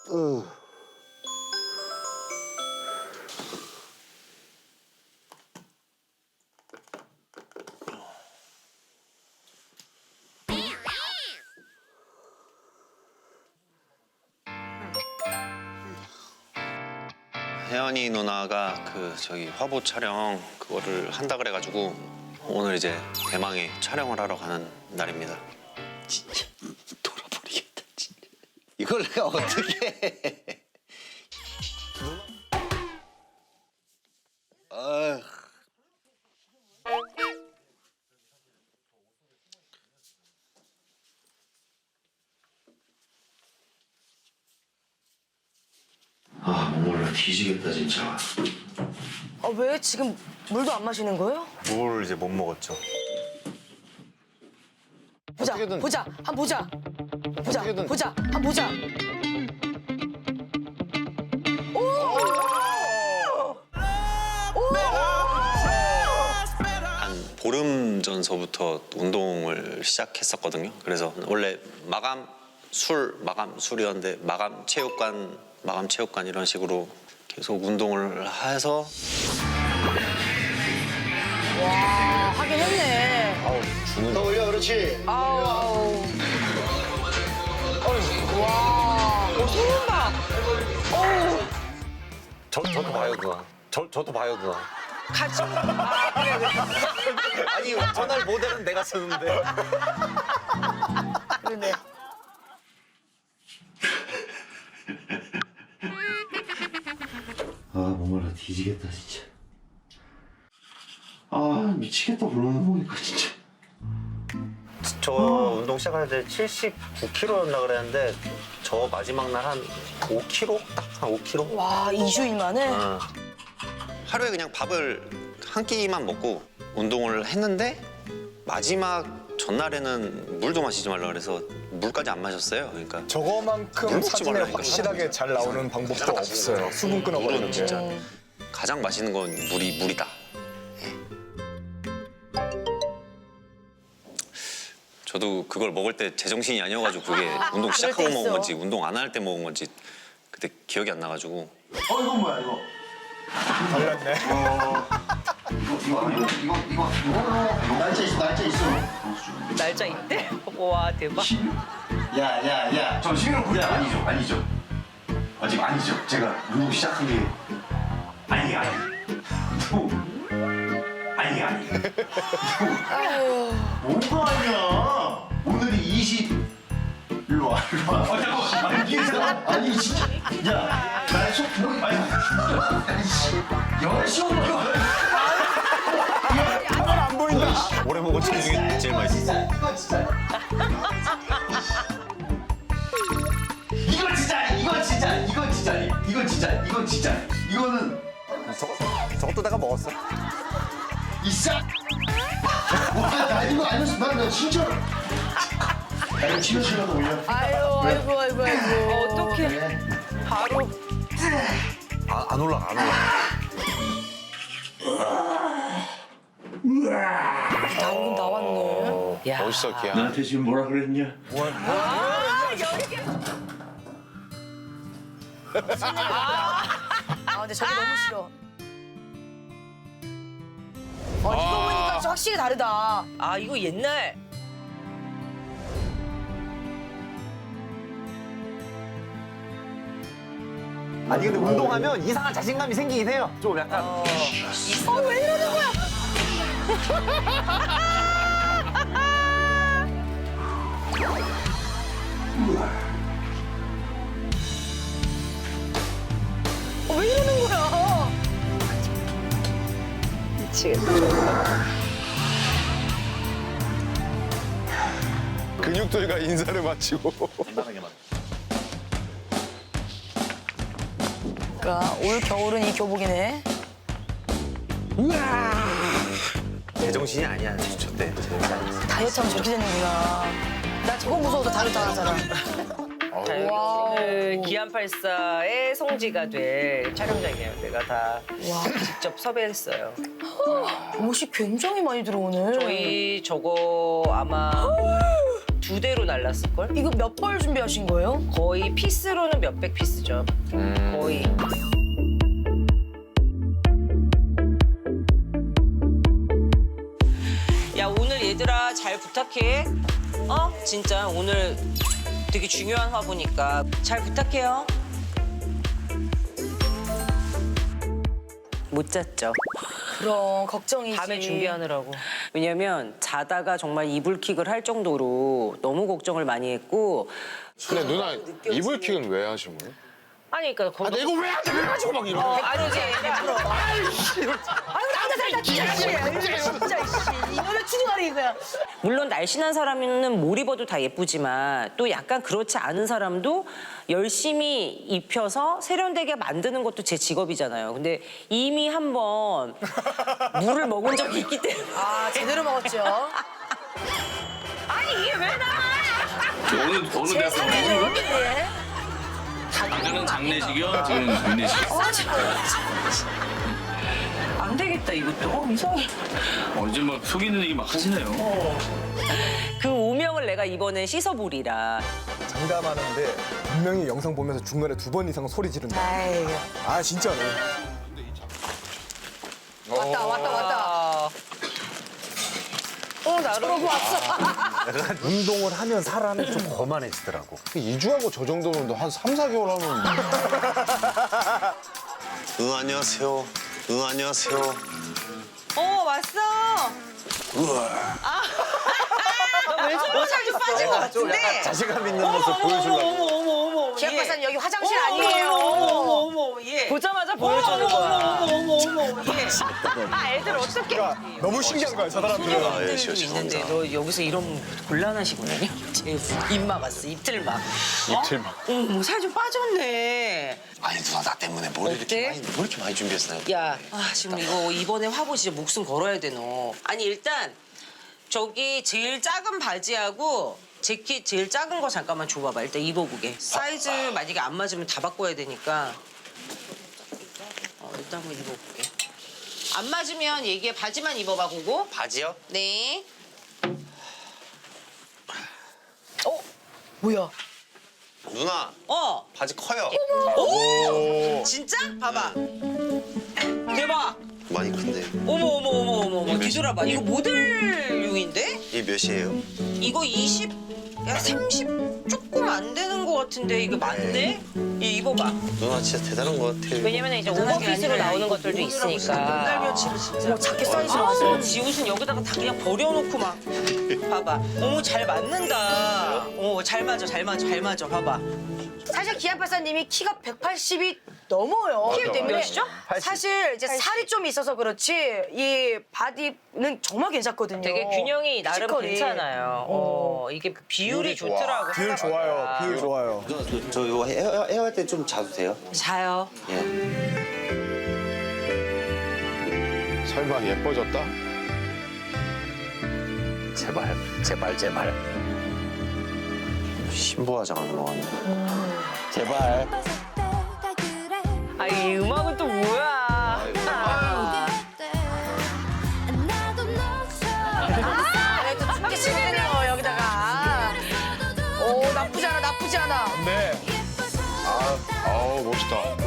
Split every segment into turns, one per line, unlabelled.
혜연이 누나가 저기 화보 촬영 그거를 한다 그래가지고 오늘 이제 대망의 촬영을 하러 가는 날입니다.
진짜 돌아버리겠다 진짜. 이걸 내가 어떻게 해. 아휴.
아 몰라 뒤지겠다 진짜.
아, 왜 지금 물도 안 마시는 거예요?
물 이제 못 먹었죠.
보자,
어떻게든-
보자, 한번 보자. 보자,
어떻게든-
보자, 한번 보자.
한 보름 전서부터 운동을 시작했었거든요. 그래서 원래 마감 술이었는데 마감 체육관 이런 식으로 계속 운동을 해서
와, 하긴 했네.
더 올려 그렇지.
아우. 와, 소름 봐. 어우,
저도 봐요 누나. 저도 봐요 누나.
같이. 아, 그래, 그래.
아니 전날 모델은 내가 쓰는데.
그러네.
아 목말라 뒤지겠다 진짜. 아 미치겠다 그러는 거니까 진짜.
저 운동 시작할 때 79kg였나 그랬는데 저 마지막 날 한 5kg? 딱 한 5kg?
와, 2주일 만에?
하루에 그냥 밥을 한 끼만 먹고 운동을 했는데 마지막 전날에는 물도 마시지 말라 그래서 물까지 안 마셨어요. 그러니까 물
저거만큼
먹지
사진에
말라니까.
확실하게 잘 나오는 방법도 없어요. 수분 끊어버리는
물은
게.
진짜 가장 맛있는 건 물이다. 예. 저도 그걸 먹을 때 제정신이 아니어가지고 그게 운동 시작하고
그럴 때
먹은
있어.
건지 운동 안 할 때 먹은 건지 그때 기억이 안 나가지고
이건 뭐야 이거?
달랐네.
이거 날짜 있어.
날짜 있대? 와 대박.
야야야. 저 시계를 보자. 아니죠. 아직 아니죠. 제가 운동 시작한 게 아니. 또 아니. 뭐가 아니야? 오늘이 20. 일로 와. 잠깐만. 아니 진짜. 야, 날속 보기 아니. 열심히
안 보인다.
오래 먹은 책 중에 제일 맛있었어.
이건 진짜. 이거는
저것도 내가 먹었어.
있어. 나 이거 아니었어. 나 진짜로. 나를 치료시라도 올려.
아이고.
어떡해. 바로
안 올라가.
나오긴 나왔네.
야.
멋있어 기야.
나한테 지금 뭐라 그랬냐?
아, 근데 저게 너무 싫어. 이거 보니까 진짜 확실히 다르다.
아 이거 옛날.
아니 근데 운동하면 이상한 자신감이 생기긴 해요. 좀 약간.
왜 이러는 거야? 왜 이러는 거야?
근육들과 인사를 마치고.
그러니까 올 겨울은 이 교복이네.
제정신이 아니야 저때.
다이어트하면 저렇게 되는구나. 나 저거 무서워도 다이어트 안 하잖아. 와우.
오늘 기안84의 송지가 될 촬영장이에요. 내가 다 직접 섭외했어요.
옷이 굉장히 많이 들어오네.
저희 저거 아마 2대로 날랐을걸?
이거 몇 벌 준비하신 거예요?
거의 피스로는 몇백 피스죠. 거의. 야, 오늘 얘들아 잘 부탁해. 진짜 오늘 되게 중요한 화보니까 잘 부탁해요. 못 잤죠.
그럼 걱정이지.
밤에 준비하느라고. 왜냐면 자다가 정말 이불킥을 할 정도로 너무 걱정을 많이 했고.
근데 누나 이불킥은 왜 하신 거예요?
아니 그러니까
아, 내가 왜 하지? 그래가지고 막 이러고.
아니지.
아유 남자 살다 진짜 씨. 이거는 추궁하는 거야.
물론 날씬한 사람은 뭘 입어도 다 예쁘지만 또 약간 그렇지 않은 사람도 열심히 입혀서 세련되게 만드는 것도 제 직업이잖아요. 근데 이미 한번 물을 먹은 적이 있기 때문에.
아 제대로 먹었죠.
아니 이게 왜 나와?
어느
제
데서
상대는 여기인데.
아까는 장례식이요, 지금 윤례식.
안 되겠다 이것도. 이상해.
이제 막 속이는 얘기 막 하시네요.
그 오명을 내가 이번엔 씻어보리라.
장담하는데 분명히 영상 보면서 중간에 2번 이상 소리 지른다.
아이고.
아 진짜로.
왔다.
나름
왔어.
운동을 하면 사람이 좀 거만해지더라고.
2주하고 저 정도면 한 3, 4개월 하면.
안녕하세요. 안녕하세요.
왔어. 너 왼손 살좀 빠진 것 같은데.
자신감 있는 모습 보여주려고.
어머.
기합 박사님 여기 화장실
어머,
아니에요.
어머, 예. 보자마자 보여주는 거야. 어머, 예. 애들 어떻게?
너무 신기한 거야 저 사람들은.
아, 예,
좀 있는데 너 여기서 이러면 곤란하시거든요. 입 막았어, 입틀막.
입틀막.
어머, 살 좀 빠졌네.
아니 누나 나 때문에 뭘
어때?
이렇게 많이 준비했어요?
야, 지금 이거 이번에 화보 진짜 목숨 걸어야 돼 너. 아니 일단 저기 제일 작은 바지하고 재킷 제일 작은 거 잠깐만 줘봐봐. 일단 입어보게. 사이즈 만약에 안 맞으면 다 바꿔야 되니까. 일단 한번 입어볼게. 안 맞으면 얘기해. 바지만 입어봐, 그거.
바지요?
네.
뭐야?
누나 바지 커요.
진짜? 봐봐. 대박.
많이 큰데.
어머. 뒤돌아봐. 이거 모델용인데?
이게 몇이에요?
이거 20, 야 30 조금 안 되는 것 같은데 이거 맞네? 이 입어봐.
누나 진짜 대단한 것 같아요.
왜냐면 이제 오버핏으로 나오는 것들도 있으니까. 딸며칠을 진짜.
뭐 자켓 사이즈로 왔어.
지 옷은 여기다가 다 그냥 버려놓고 막. 봐봐. 어머 잘 맞는다. 잘 맞아. 봐봐.
사실 기합 박사님이 키가 180이 넘어요. 키 때문에
몇이죠?
사실 이제 살이 좀 있어서 그렇지 이 바디는 정말 괜찮거든요.
되게 균형이 나름
피지컬이.
괜찮아요. 이게 비율이 좋더라고.
비율 좋아요. 비율 좋아요.
저 이거 헤어할 때 좀 자도 돼요?
자요.
예.
설마 예뻐졌다?
제발. 신부화장 안 먹었네. 제발.
이 음악은 또 뭐야?
그래도 춥게 치네요 여기다가. 오 나쁘지 않아.
네.
아우 멋있다.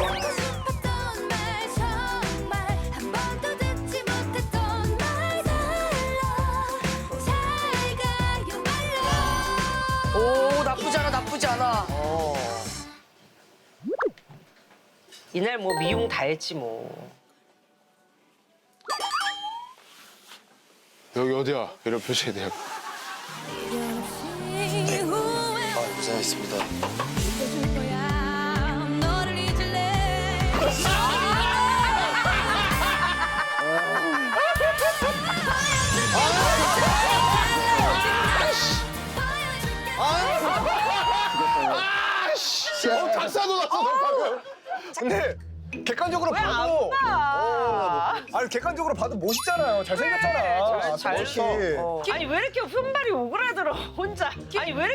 오 나쁘지 않아.
이날 뭐 미용 다 했지 뭐.
여기 어디야? 이런 표시해야 돼요.
고생하셨습니다.
다 싸놓았어, 방금.
근데 객관적으로 봐도 아니 객관적으로 봐도 멋있잖아요. 잘생겼잖아.
잘했어.
멋있어.
아니 왜 이렇게 흠발이 오그라들어 혼자.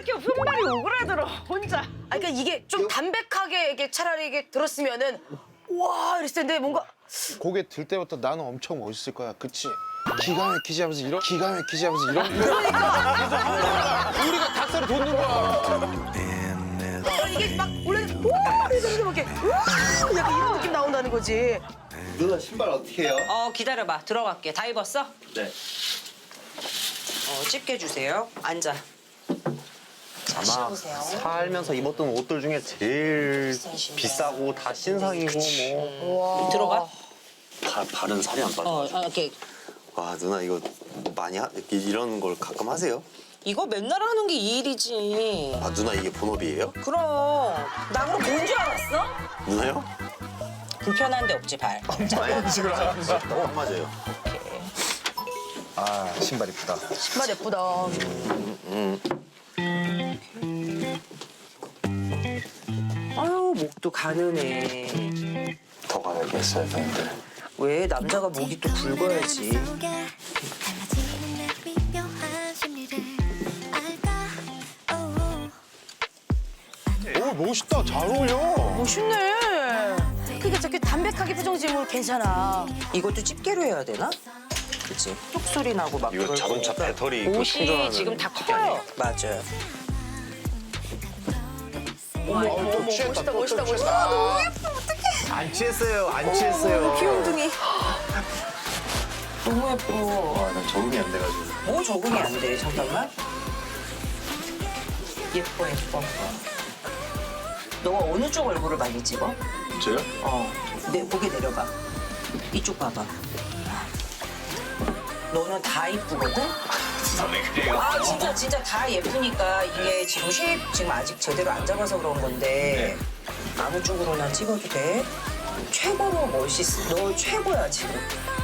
아 그러니까 이게 좀 담백하게 이게 차라리 이게 들었으면은 와 이랬을 텐데 뭔가
고개 들 때부터 나는 엄청 멋있을 거야. 그치? 기가 막히지 하면서 이런 우리가 닭살을 돋는 거야.
이게 막 원래 와 이러면서 막 이렇게 와 약간 이런 느낌 나온다는 거지.
누나 신발 어떻게 해요?
기다려봐. 들어갈게. 다 입었어?
네.
집게 주세요. 앉아.
아마 살면서 입었던 옷들 중에 제일 비싸고 다 신상이고 뭐.
들어가.
발은 살이 안 빠져.
이렇게.
와 누나 이거 많이 이런 걸 가끔 하세요?
이거 맨날 하는 게 이 일이지.
아 누나 이게 본업이에요?
그럼. 나 그럼 뭔 줄 알았어?
누나요?
불편한 데 없지, 발.
이런 식으로 하면서.
안 맞아요.
아 신발 이쁘다.
신발 예쁘다.
아유, 목도 가느네.
더 가야겠어요 근데.
왜? 남자가 목이 또 굵어야지.
오 멋있다. 잘 어울려.
멋있네. 그러니까 저렇게 담백하게 표정 지으면 괜찮아.
이것도 집게로 해야 되나? 그치? 뚝 소리 나고 막
이거
그럴
자동차
거니까.
배터리 그
옷이
충전하는
지금 다
집게
커요.
아니에요?
맞아요.
또 취했다. 또
멋있다
취했다.
멋있다. 너무 예뻐 어떡해.
안 취했어요. 안 취했어요.
귀염둥이.
너무 예뻐.
와난 적응이 안 돼가지고.
뭐 적응이 안 돼. 잠깐만. 예뻐. 너가 어느 쪽 얼굴을 많이 찍어?
저요?
고개 내려봐. 이쪽 봐봐. 너는 다 이쁘거든? 아 진짜 다 예쁘니까 이게 지금 쉐입 지금 아직 제대로 안 잡아서 그런 건데 아무 쪽으로나 찍어도 돼. 최고로 멋있어. 너 최고야 지금.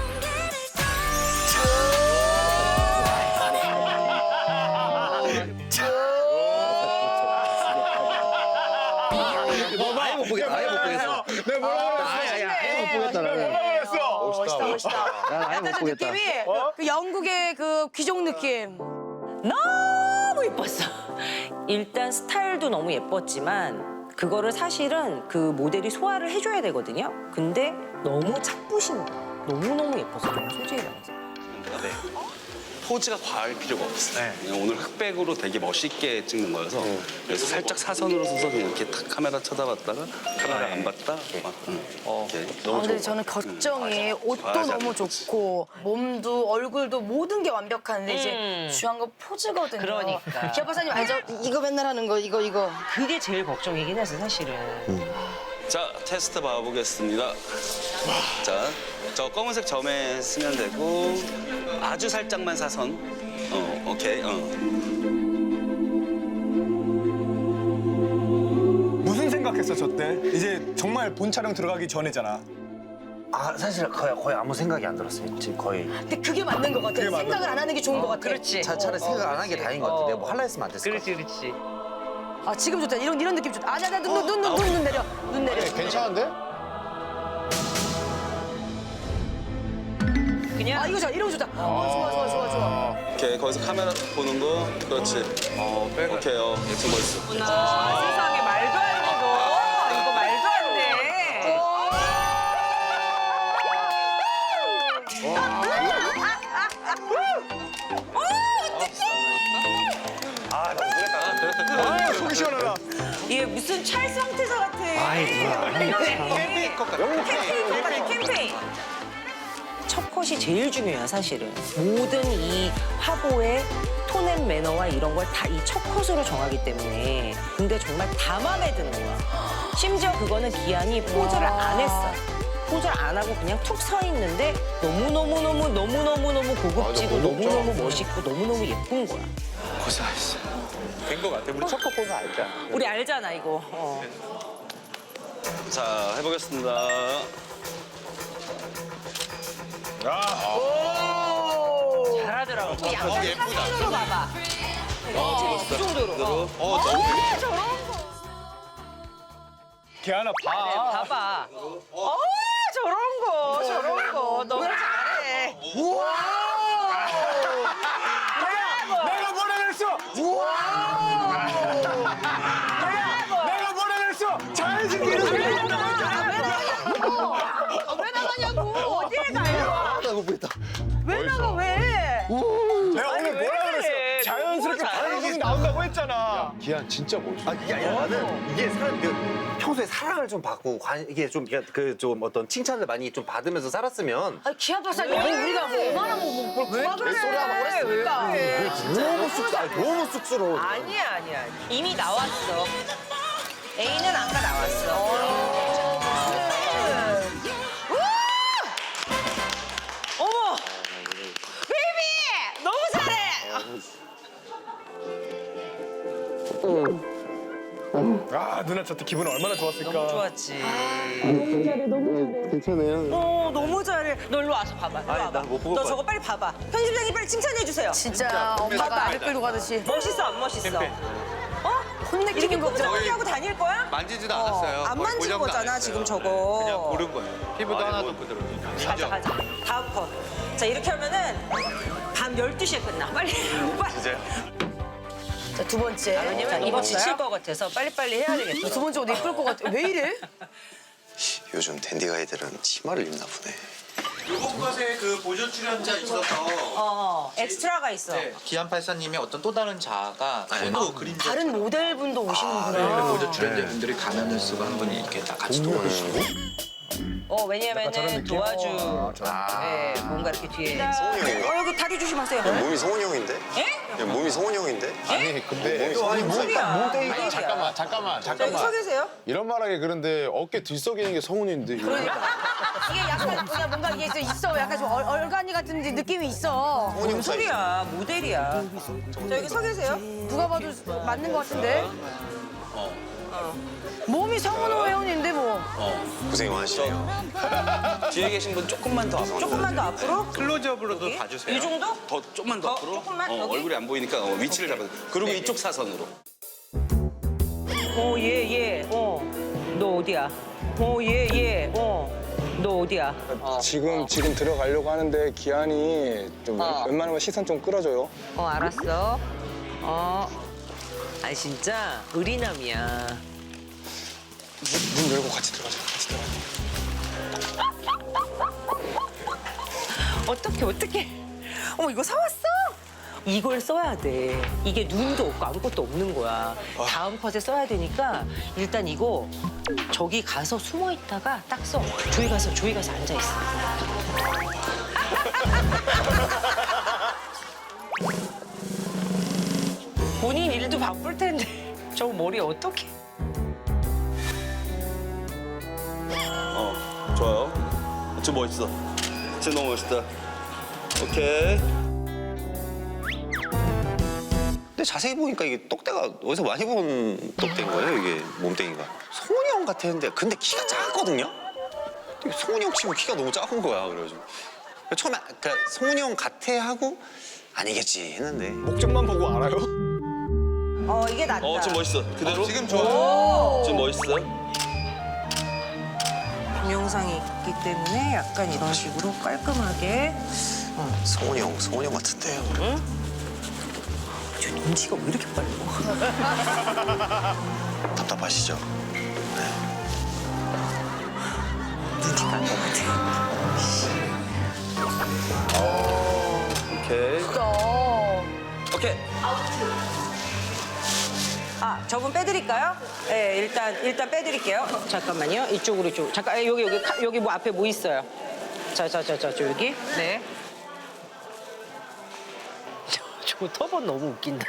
아예 못 보겠다. 아예 못 보겠어.
내가 뭐라고 그랬어?
아예 못 보겠다. 나는.
멋있다.
난 아예 못
약간 좀
보겠다.
느낌이 그 영국의 그 귀족 느낌.
너무 예뻤어. 일단 스타일도 너무 예뻤지만 그거를 사실은 그 모델이 소화를 해줘야 되거든요. 근데 너무 착부신 거. 너무너무 예뻐서 정말 솔직히 말해서.
네. 포즈가 과할 필요가 없어요. 그냥 오늘 흑백으로 되게 멋있게 찍는 거여서 그래서 살짝 사선으로 서서 그냥 이렇게 탁 카메라 쳐다봤다가 카메라 안 봤다. 막, 이렇게.
근데 저는 걱정이 옷도
맞아.
너무 좋고 몸도 얼굴도 모든 게 완벽한데 이제 중요한 건 포즈거든요.
그러니까.
기아 박사님 알죠? 이거 맨날 하는 거 이거.
그게 제일 걱정이긴 해서 사실은.
자, 테스트 봐보겠습니다. 자, 저 검은색 점에 쓰면 되고 아주 살짝만 사선. 오케이.
무슨 생각했어 저 때? 이제 정말 본 촬영 들어가기 전이잖아.
아 사실 거의 아무 생각이 안 들었어요. 지금 거의.
근데 그게 맞는 것 같아. 생각을 안 하는 게 좋은 것 같아.
그렇지.
차라리 생각 안 하는 게 다행인 것 같아. 내가 뭐 할라 했으면 안 됐을 것 같아.
그렇지.
아 지금 좋다. 이런 느낌 좋다. 아니야 눈 내려. 눈 내려.
네, 괜찮은데?
그냥
아 이거 좋아. 이런 거 좋다. 좋아.
오케이, 거기서 카메라 딱 보는 거. 그렇지. 오케이, 예쁜 멋있어.
세상에 말도 안 되고 이거 말도 안 돼.
아 속이 시원하다.
이게 무슨 찰스 황태자 같아. 캠페인. 첫 컷이 제일 중요해요, 사실은. 모든 이 화보의 톤앤 매너와 이런 걸 다 이 첫 컷으로 정하기 때문에. 근데 정말 다 마음에 드는 거야. 심지어 그거는 기한이 포즈를 안 했어. 포즈를 안 하고 그냥 툭 서 있는데 너무너무 고급지고
맞아, 고급져.
너무너무 멋있고 너무너무 예쁜 거야.
고생하셨어. 된거 같아. 우리 첫컷 보고 알자.
우리 알잖아, 이거.
자, 해보겠습니다.
잘하더라고. 약간 사선으로 봐봐. 그 정도로.
기아나 봐.
봐봐. 저런 거. 너무 잘해.
내가 뭐라 그랬어? 내가 뭐라 그랬어? 잘해줄게.
기한 진짜 멋있어.
아 이게 아니라 나는 이게 사람 평소에 사랑을 좀 받고 이게 좀 그 좀 어떤 칭찬을 많이 좀 받으면서 살았으면
아니 기아 박사님 우리가 뭐 얼마나 뭘 구박을 해. 그랬으니까.
너무 쑥스러워.
아니야. 이미 나왔어. A는 아까 나왔어. 어머! 베이비! 너무 잘해!
아 누나 저때 기분 얼마나 좋았을까.
좋았지.
괜찮아요.
너무 잘해. 너 일로 와서 봐봐. 일로 와봐.
난못 보고
너
봐요.
저거 빨리 봐봐. 편집장님 빨리 칭찬해 주세요.
진짜 엄마가 아들 끌고 가듯이.
멋있어 안 멋있어?
혼내키는
이렇게
거
꼼짝없이 하고 다닐 거야?
만지지도 않았어요.
안 만진 거잖아 지금 저거.
그냥 고른 거예요. 피부도 하나도 부드러워.
가자. 다음 컷. 자 이렇게 하면은 밤 12시에 끝나. 빨리.
자, 두 번째.
왜냐면 이거 지칠 것 같아서 빨리빨리 해야 되겠어.
두 번째 옷 이쁠 것 같아. 왜 이래?
요즘 댄디 가이들은 치마를 입나 보네.
이번 것에 그 보조 출연자 있어서
엑스트라가 있어.
기안84님의 어떤 또 다른 자아가 또 그림자
다른 모델분도 오시는구나.
보조 출연자분들이 가면을 쓰고 한 분이 이렇게 다 같이 도와주시고
왜냐면은 도와주. 네, 뭔가 이렇게 뒤에.
성훈이
여기 다리 조심하세요.
몸이 성훈이 형인데?
예?
야, 몸이 성훈이 형인데?
아니 근데
몸이야.
잠깐만.
여기 서 계세요?
이런 말하기 그런데 어깨 들썩이는 게 성훈인데. 이거.
이게 약간 그냥 뭔가 이게 있어. 약간 좀 얼간이 같은 느낌이 있어.
뭔 소리야? 모델이야. 자 여기 서 계세요.
누가 봐도 맞는 것 같은데? 몸이 성은호 회원인데 뭐.
고생이 많으시네요.
뒤에 계신 분 조금만 더 앞으로.
조금만 더 앞으로.
클로즈업으로도
여기?
봐주세요.
이 정도?
더 조금만 더 앞으로.
조금만? 여기?
얼굴이 안 보이니까 위치를 잡아서. 그리고 이쪽 사선으로.
얘. 너 어디야? 얘. 너 어디야?
지금 들어가려고 하는데 기한이 좀 웬만하면 시선 좀 끌어줘요.
알았어. 아니 진짜 의리남이야.
문 열고 같이 들어가자.
어떡해. 어머 이거 사왔어? 이걸 써야 돼. 이게 눈도 없고 아무것도 없는 거야. 다음 컷에 써야 되니까 일단 이거 저기 가서 숨어 있다가 딱 써. 조이 가서 앉아 있어. 본인 일도 바쁠 텐데 저 머리 어떡해?
좋아요. 진짜 멋있어. 진짜 너무 멋있다. 오케이.
근데 자세히 보니까 이게 똑대가 어디서 많이 본 똑대인 거예요, 이게 몸뚱이가. 성훈이 형 같았는데 근데 키가 작았거든요? 근데 성훈이 형 치고 키가 너무 작은 거야, 그래가지고. 처음에 그러니까 성훈이 형 같아 하고 아니겠지 했는데
목적만 보고 알아요?
이게 낫다.
지금 멋있어. 그대로? 지금 좋아. 지금 멋있어.
동영상이 있기 때문에 약간 이런 식으로 깔끔하게.
성훈이 형 같은데요.
저 눈치가 왜 이렇게 빨라?
답답하시죠?
눈치 깐것 같아.
오케이. 오케이.
저분 빼드릴까요? 네, 일단 빼드릴게요. 잠깐만요. 이쪽으로 좀. 잠깐, 여기 뭐 앞에 뭐 있어요? 저 여기. 네. 저 터번 너무 웃긴다.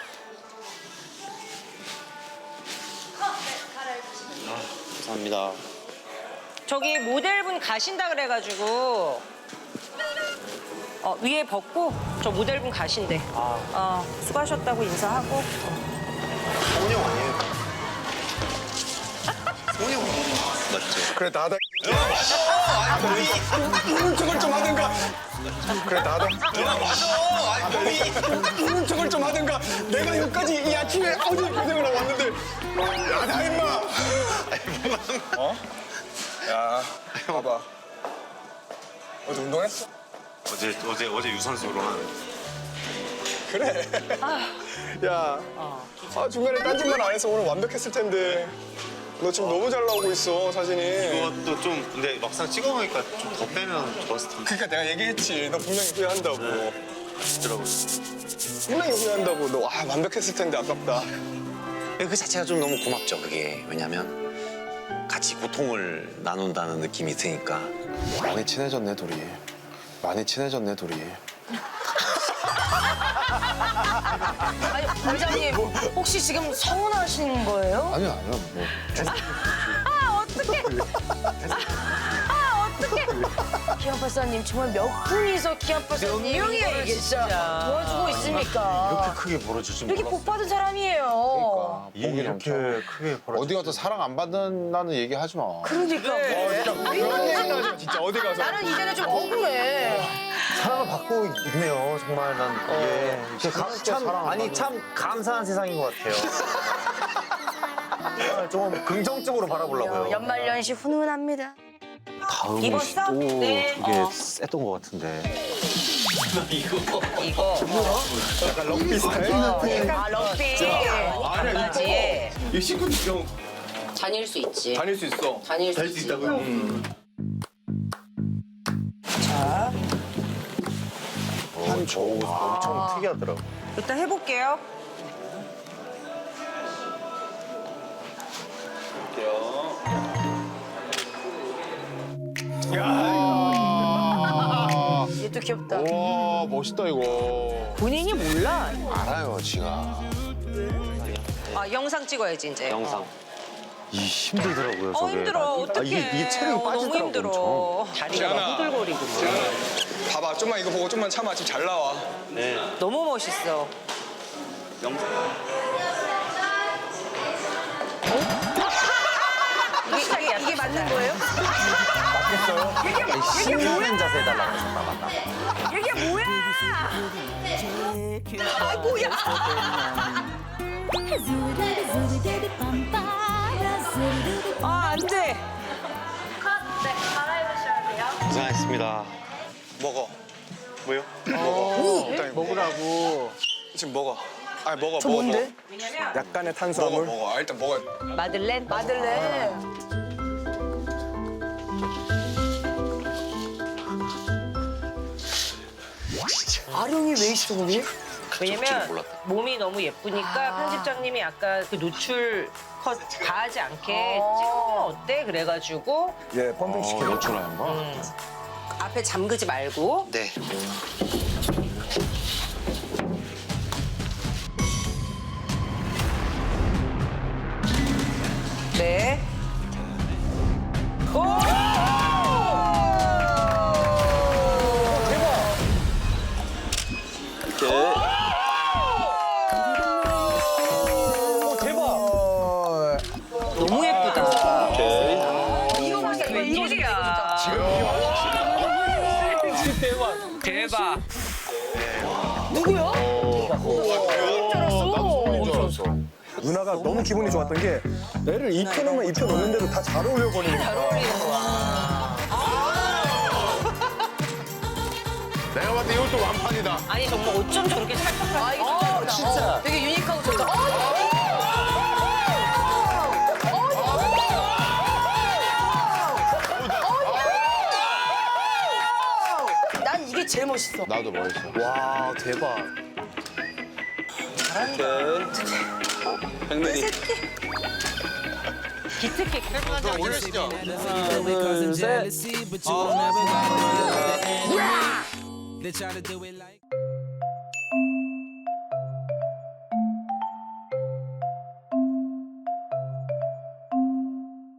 감사합니다.
저기 모델분 가신다 그래가지고 위에 벗고 저 모델분 가신대. 수고하셨다고 인사하고.
성훈이 형 아니에요? 성훈이 형 맞죠?
그래 나다. 이런 척을 좀 하든가. 그래 나다. 이런 척을 좀 하든가. 내가 여기까지 이 아침에 어디 고생을 하고 왔는데 야나 임마. 야 봐봐. 어제 운동했어?
어제 유산소로 한.
그래. 야, 중간에 딴짓만 안 해서 오늘 완벽했을 텐데. 너 지금 너무 잘 나오고 있어, 사진이.
이것도 좀 근데 막상 찍어보니까 좀 더 빼면 좋았을 텐데.
그러니까 내가 얘기했지. 너 분명히 후회한다고.
아시더라고요.
분명히 후회한다고. 너 완벽했을 텐데 아깝다.
그 자체가 좀 너무 고맙죠. 그게 왜냐면 같이 고통을 나눈다는 느낌이 드니까.
많이 친해졌네 둘이. 많이 친해졌네 둘이.
아니 원장님 혹시 지금 서운하신 거예요?
아니요 아니요 뭐.
기안팔사님 정말 몇 분이서 기안팔사님 몇 명이에요 진짜 도와주고 있습니까?
크게 벌어지지
이렇게 복 받은 사람이에요.
이게 이렇게 크게 벌어지.
어디 가서 사랑 안 받는다는 얘기 하지 마.
그러니까
그런 얘기는 하지 마, 진짜 어디 가서.
나는 이제는 좀 억울해.
사랑을 받고 있네요. 정말 난 이게
진짜 사랑 안
아니
받는-
참 감사한 세상인 것 같아요. 정말 좀 긍정적으로 바라보려고요.
연말연시 훈훈합니다.
다음이
입었어?
또
네.
되게 셌던 것 같은데.
이거
약간 럭비 스타일?
아 럭비.
아니야,
강아지에
이 식구 형
다닐 수 있지.
다닐 수 있어.
다닐 수 있다고요? 자,
엄청 특이하더라고.
일단 해볼게요.
얘도 귀엽다.
와 멋있다 이거.
본인이 몰라.
알아요 지가.
아, 영상 찍어야지 이제.
영상.
이 힘들더라고요. 저게.
힘들어. 어떡해.
이게 체력이
너무
빠지더라고.
힘들어.
엄청.
다리가
지안아.
막 후들거리고.
봐봐, 좀만 이거 보고 좀만 참아. 지금 잘 나와.
너무 멋있어. 이게 맞는 거예요?
신나는 자세 해달라고 했었나.
이게 뭐야? 아 뭐야? 아 안 돼.
고생하셨습니다.
먹어. 뭐요? 먹어. 일단 먹으라고. 지금 먹어. 아니 먹어. 먹어.
뭔데?
약간의 탄수화물. 먹어. 일단 먹어.
마들렌?
마들렌. 아령이 왜 있어 거기?
왜냐면 몸이 너무 예쁘니까 편집장님이 아까 그 노출 컷 가하지 않게 찍으면 어때? 그래가지고
예, 펌핑 시켜.
노출하는 거.
앞에 잠그지 말고
네.
네. 오! 너무 예쁘다. 이거 보자, 이거 일이야. 대박.
누구요?
누나가 너무 기분이 좋았던 게 애를 입혀놓으면 입혀놓는데도 다 잘 어울려 버리니까.
내가 봤을 때 이것도 완판이다.
아니 정말 어쩜 저렇게 찰떡같이.
아 이거 좋다. 진짜. 되게 유니크하고 좋다. 난 이게 제일 멋있어.
나도 멋있어.
와 대박.
백맨이.
기특해.
올리시죠.
Causing jealousy, but you will never got the end of me. They try to do it like